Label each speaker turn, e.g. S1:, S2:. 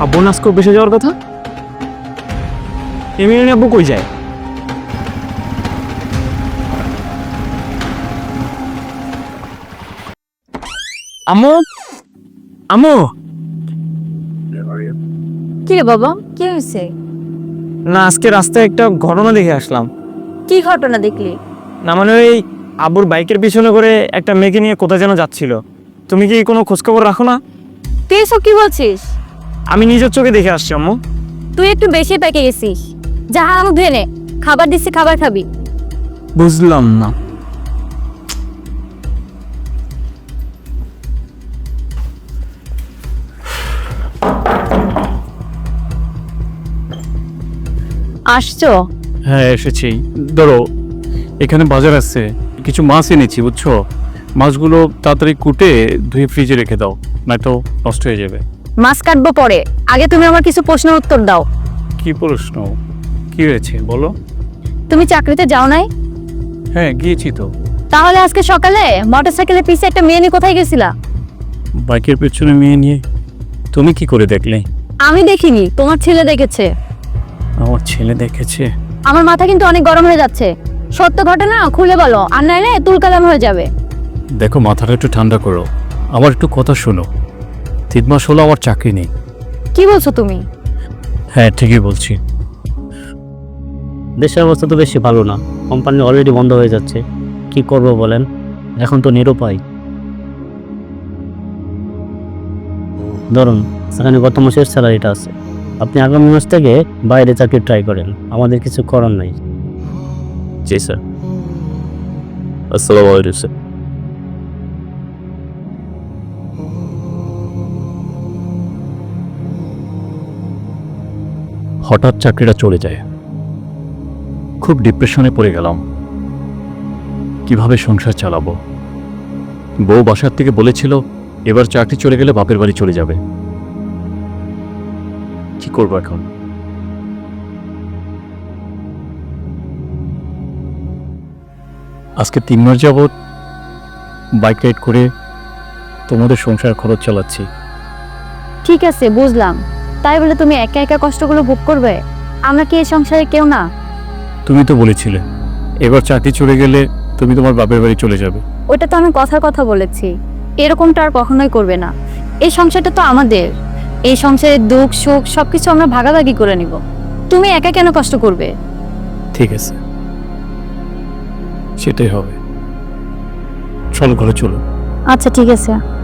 S1: আব্বু নাস্কো বেসে যাওয়ার কথা। এমনি আব্বু কই যায়? আম্মু, আম্মু।
S2: কি রে বাবা, কি হয়েছে?
S1: না, আজকে রাস্তায় একটা ঘটনা দেখে আসলাম।
S2: কি ঘটনা দেখলি?
S1: না মানে ওই আব্বুর বাইকের পিছনে করে একটা মেয়েকে নিয়ে কোথায় যেন যাচ্ছিল। তুমি কি কোনো খোঁজখবর রাখো না?
S2: তুই এসব কি বলছিস?
S1: আমি নিজের চোখে দেখে আসছি আম্মু।
S2: তুই একটু বেশি পেকে গেছিস। যা হাত ধুয়ে নে, খাবার দিচ্ছি, খাবার খাবি।
S1: বুঝলাম না।
S2: আসছো?
S3: হ্যাঁ এসেছি। ধরো এখানে বাজার আছে, কিছু মাছ এনেছি বুঝছো। মাছগুলো তাড়াতাড়ি কুটে ধুয়ে ফ্রিজে রেখে দাও, নয়তো নষ্ট হয়ে যাবে।
S2: মাছ কাটবো পরে, আগে তুমি আমার কিছু প্রশ্নের উত্তর দাও।
S3: কি প্রশ্ন? কি হয়েছে বলো।
S2: তুমি চাকরিতে যাও নাই?
S3: হ্যাঁ গিয়েছি তো।
S2: তাহলে আজকে সকালে মোটরসাইকেলের পিছে একটা মেয়ে নিয়ে কোথায় গেছিলা?
S3: বাইকের পেছনে মেয়ে নিয়ে। তুমি কি করে দেখলে?
S2: আমি দেখিনি, তোমার ছেলে দেখেছে।
S3: আমার ছেলে দেখেছে?
S2: আমার মাথা কিন্তু অনেক গরম হয়ে যাচ্ছে। সত্য ঘটনা খুলে বলো, আর নাইলে তুলকালাম হয়ে যাবে।
S3: দেখো মাথাটা একটু ঠান্ডা করো, আমার একটু কথা শোনো। 3 মাস হলো আমার চাকরি নেই।
S2: কি বলছো তুমি?
S3: হ্যাঁ ঠিকই বলছি।
S4: দেশের অবস্থা তো বেশি ভালো না, কোম্পানি অলরেডি বন্ধ হয়ে যাচ্ছে। কি করব বলেন, এখন তো নিরুপায়। ধরুন এখানে গত মাসের স্যালারিটা আছে, আপনি আগামী মাস থেকে বাইরে চাকরি ট্রাই করেন, আমাদের কিছু করার নাই।
S5: জি স্যার। আসসালামু আলাইকুম স্যার।
S3: হঠাৎ চাকরিটা চলে যায়, খুব ডিপ্রেশনে পড়ে গেলাম। কিভাবে সংসার চালাবো? বউ বাসার থেকে বলেছিল এবার চাকরি চলে গেলে বাপের বাড়ি চলে যাবে। কি করবো এখন? আজকে 3 মাস যাবৎ বাইক রাইড করে তোমাদের সংসার খরচ চালাচ্ছি।
S2: ঠিক আছে, বুঝলাম। তাই বলে তুমি একা একা কষ্টগুলো ভোগ করবে? আমরা কি এই সংসারে কেউ না?
S3: তুমি তো বলেছিলে এবার চাকরি চলে গেলে তুমি তোমার বাপের বাড়ি চলে যাবে।
S2: ওটা তো আমি কথার কথা বলেছি, এরকমটা আর কখনোই করবে না। এই সংসারটা তো আমাদের, এই সংসারের দুঃখ সুখ সবকিছু আমরা ভাগাভাগি করে নিব। তুমি একা কেন কষ্ট করবে?
S3: ঠিক আছে, সেটাই হবে। চলো ঘরে চলো।
S2: আচ্ছা ঠিক আছে।